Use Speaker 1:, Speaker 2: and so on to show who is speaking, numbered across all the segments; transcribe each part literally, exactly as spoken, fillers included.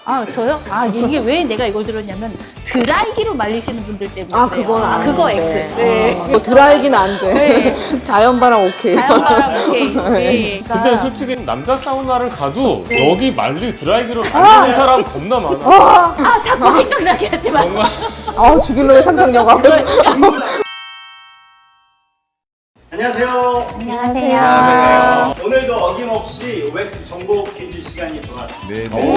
Speaker 1: 아, 저요? 아, 이게 왜 내가 이걸 들었냐면 드라이기로 말리시는 분들 때문에.
Speaker 2: 아, 그건 안
Speaker 1: 그거
Speaker 2: 돼.
Speaker 1: X. 네.
Speaker 2: 어, 뭐 드라이기는 안 돼.
Speaker 1: 네.
Speaker 2: 자연바람 오케이.
Speaker 1: 자연바람 오케이. 네.
Speaker 3: 근데 솔직히 남자 사우나를 가도 여기 말리 드라이기로 말리는 사람 겁나 많아.
Speaker 1: 아, 자꾸 생각나게 하지 마.
Speaker 3: 정말.
Speaker 2: 아, 죽일놈의 상상력아.
Speaker 4: 안녕하세요.
Speaker 1: 안녕하세요.
Speaker 3: 안녕하세요.
Speaker 4: 오늘도 어김없이 오엑스 정보 퀴즈 시간이 돌아왔습니다.
Speaker 3: 네.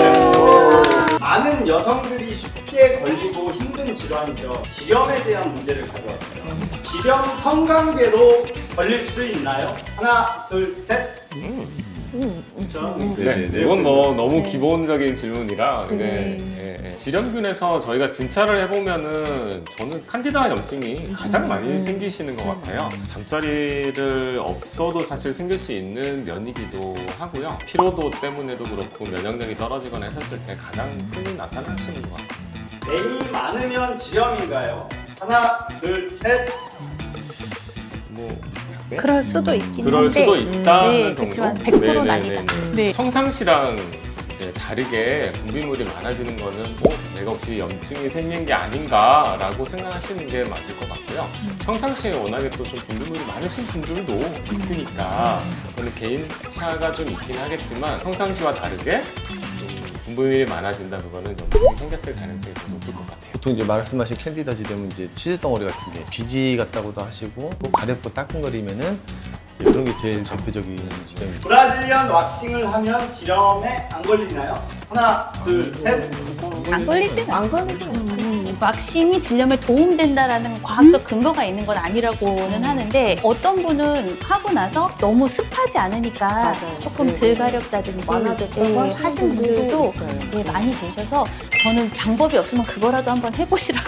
Speaker 4: 많은 여성들이 쉽게 걸리고 힘든 질환이죠. 지렴에 대한 문제를 가져왔습니다. 지렴 성관계로 걸릴 수 있나요? 하나, 둘, 셋. 그렇죠?
Speaker 3: 네, 이건 뭐 너무 기본적인 질문이라 근데 예, 예. 지렴균에서 저희가 진찰을 해보면은 저는 칸디다 염증이 가장 많이 생기시는 것 같아요. 잠자리를 없어도 사실 생길 수 있는 면이기도 하고요. 피로도 때문에도 그렇고 면역력이 떨어지거나 했었을 때 가장 흔히 나타나시는 것 같습니다.
Speaker 4: 애인이 많으면 지렴인가요? 하나, 둘, 셋.
Speaker 3: 뭐
Speaker 1: 그럴 수도 있긴
Speaker 3: 그럴
Speaker 1: 한데.
Speaker 3: 수도 있다는
Speaker 1: 네,
Speaker 3: 정도.
Speaker 1: 그렇지만 백 퍼센트는
Speaker 3: 네네네네.
Speaker 1: 아니다. 네.
Speaker 3: 평상시랑 이제 다르게 분비물이 많아지는 거는 어, 내가 혹시 염증이 생긴 게 아닌가라고 생각하시는 게 맞을 것 같고요. 평상시에 워낙에 또 좀 분비물이 많으신 분들도 있으니까 원래 개인차가 좀 있긴 하겠지만 평상시와 다르게 좀 분비물이 많아진다 그거는 염증이 생겼을 가능성이 더 높을 것 같아요.
Speaker 5: 보통 이제 말씀하신 캔디다 지되면 이제 치즈 덩어리 같은 게 비지 같다고도 하시고 또 가렵고 따끔거리면은 이제 그런 게 제일 대표적인 지점입니다.
Speaker 4: 브라질리언 왁싱을 하면 지렴에 안 걸리나요? 하나, 둘, 셋.
Speaker 1: 안 걸리진 않아.
Speaker 2: 안 걸리죠.
Speaker 1: 음, 왁싱이 질염에 도움된다라는 과학적 근거가 있는 건 아니라고는 하는데 어떤 분은 하고 나서 너무 습하지 않으니까
Speaker 2: 맞아요.
Speaker 1: 조금
Speaker 2: 네,
Speaker 1: 덜
Speaker 2: 네.
Speaker 1: 가렵다든지
Speaker 2: 완화됐다고
Speaker 1: 네,
Speaker 2: 하시는
Speaker 1: 하신
Speaker 2: 분들도
Speaker 1: 분들도
Speaker 2: 있어요.
Speaker 1: 네, 많이 계셔서 저는 방법이 없으면 그거라도 한번 해보시라고.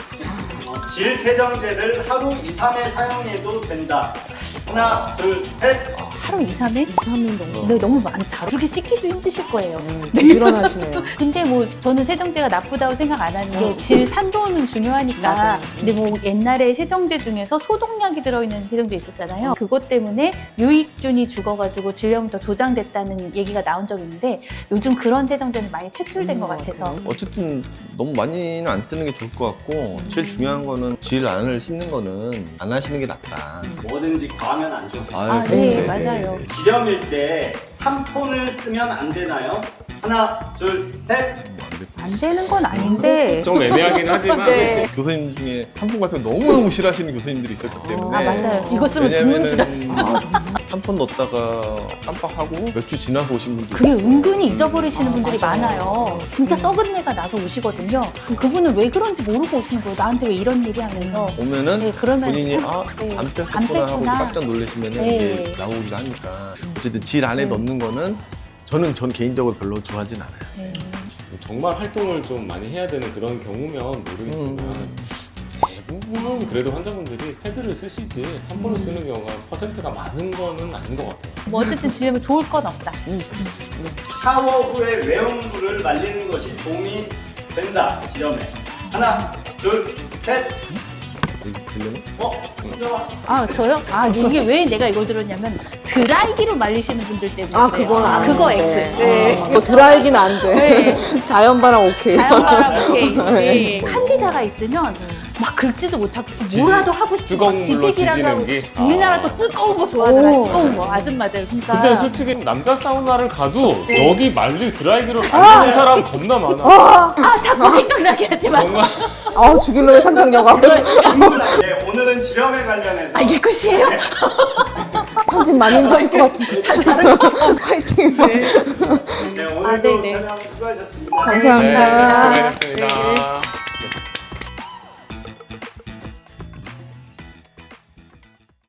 Speaker 4: 질 세정제를 하루 이, 삼 회 사용해도 된다. 하나, 둘, 셋.
Speaker 1: 하루 이, 삼 회?
Speaker 2: 이, 삼 일 정도.
Speaker 1: 네, 너무 많다. 그렇게 씻기도 힘드실 거예요.
Speaker 2: 일어나시네요.
Speaker 1: 근데 뭐 저는 세정제가 나쁘다고 생각 안 하는 게 질 산도는 중요하니까.
Speaker 2: 맞아요.
Speaker 1: 근데 뭐 옛날에 세정제 중에서 소독약이 들어있는 세정제 있었잖아요. 그것 때문에 유익균이 죽어가지고 질염이 더 조장됐다는 얘기가 나온 적이 있는데 요즘 그런 세정제는 많이 퇴출된 것 같아서.
Speaker 5: 어쨌든 너무 많이는 안 쓰는 게 좋을 것 같고 제일 중요한 거는 질 안을 씻는 거는 안 하시는 게 낫다.
Speaker 4: 뭐든지 과하면 안 좋아요.
Speaker 5: 아유,
Speaker 1: 아,
Speaker 5: 그렇죠.
Speaker 1: 네, 맞아요.
Speaker 4: 지렴일 때 탐폰을 쓰면 안 되나요? 하나, 둘, 셋.
Speaker 1: 안 되는 건 아닌데.
Speaker 3: 좀 애매하긴 하지만
Speaker 1: 네.
Speaker 5: 교수님 중에 탐폰 같은 거 너무너무 싫어하시는 교수님들이 있었기 때문에
Speaker 1: 아, 맞아요. 이거 쓰면 죽는 줄 알았어요.
Speaker 5: 왜냐면은 탐폰 넣었다가 깜빡하고 몇 주 지나서 오신 분들
Speaker 1: 그게 은근히 잊어버리시는 분들이 많아요. 진짜 썩은 내가 나서 오시거든요. 그분은 왜 그런지 모르고 오시는 거예요. 나한테 왜 이런 일이 하면서.
Speaker 5: 오면은
Speaker 1: 네, 그러면
Speaker 5: 본인이
Speaker 1: 참-
Speaker 5: 아,
Speaker 1: 네,
Speaker 5: 안
Speaker 1: 안
Speaker 5: 뺐었구나 하고
Speaker 1: 뺐구나.
Speaker 5: 깜짝 놀라시면은
Speaker 1: 네.
Speaker 5: 이게 나오기도 하니까 어쨌든 질 안에 넣는 거는 저는 전 개인적으로 별로 좋아하진 않아요.
Speaker 1: 네.
Speaker 3: 정말 활동을 좀 많이 해야 되는 그런 경우면 모르겠지만 대부분은 그래도 환자분들이 패드를 쓰시지 탐폰을 쓰는 경우가 퍼센트가 많은 거는 아닌 것 같아요.
Speaker 1: 뭐 어쨌든 질염에 좋을 건 없다.
Speaker 4: 샤워 후에 외음부를 말리는 것이 도움이 된다. 지렴에. 하나, 둘, 셋.
Speaker 5: 들리는?
Speaker 4: 어? 혼자와.
Speaker 1: 아, 저요? 아, 이게 왜 내가 이걸 들었냐면 드라이기로 말리시는 분들 때문에.
Speaker 2: 아, 그건
Speaker 1: 아,
Speaker 2: 안
Speaker 1: 그거
Speaker 2: 돼.
Speaker 1: X. 네.
Speaker 2: 뭐 드라이기는 안 돼.
Speaker 1: 네.
Speaker 2: 자연바람 오케이.
Speaker 1: 자연바람 오케이. 네. 칸디다가 있으면 막 긁지도 못하고 뭐라도 하고 싶고
Speaker 3: 뜨거운
Speaker 1: 막
Speaker 3: 물로
Speaker 1: 지지기라고
Speaker 3: 지지는
Speaker 1: 하고.
Speaker 3: 게?
Speaker 1: 우리나라
Speaker 3: 아.
Speaker 1: 또 뜨거운 거 좋아하잖아.
Speaker 2: 오,
Speaker 1: 뜨거운 거 아줌마들. 그러니까.
Speaker 3: 근데 솔직히 남자 사우나를 가도
Speaker 1: 네.
Speaker 3: 여기 말리 드라이기로 말리는 사람 겁나 많아.
Speaker 1: 아, 자꾸 생각나게 하지 마.
Speaker 3: 정말.
Speaker 2: 아, 죽일놈의 상상력아.
Speaker 4: 네, 오늘은 지렴에 관련해서
Speaker 1: 아, 이게 끝이에요?
Speaker 2: 편집 많이 힘드실 것 같은데. 파이팅.
Speaker 4: 네, 오늘도
Speaker 1: 아, 네네.
Speaker 4: 촬영 수고하셨습니다.
Speaker 2: 감사합니다.
Speaker 3: 네, 수고하셨습니다.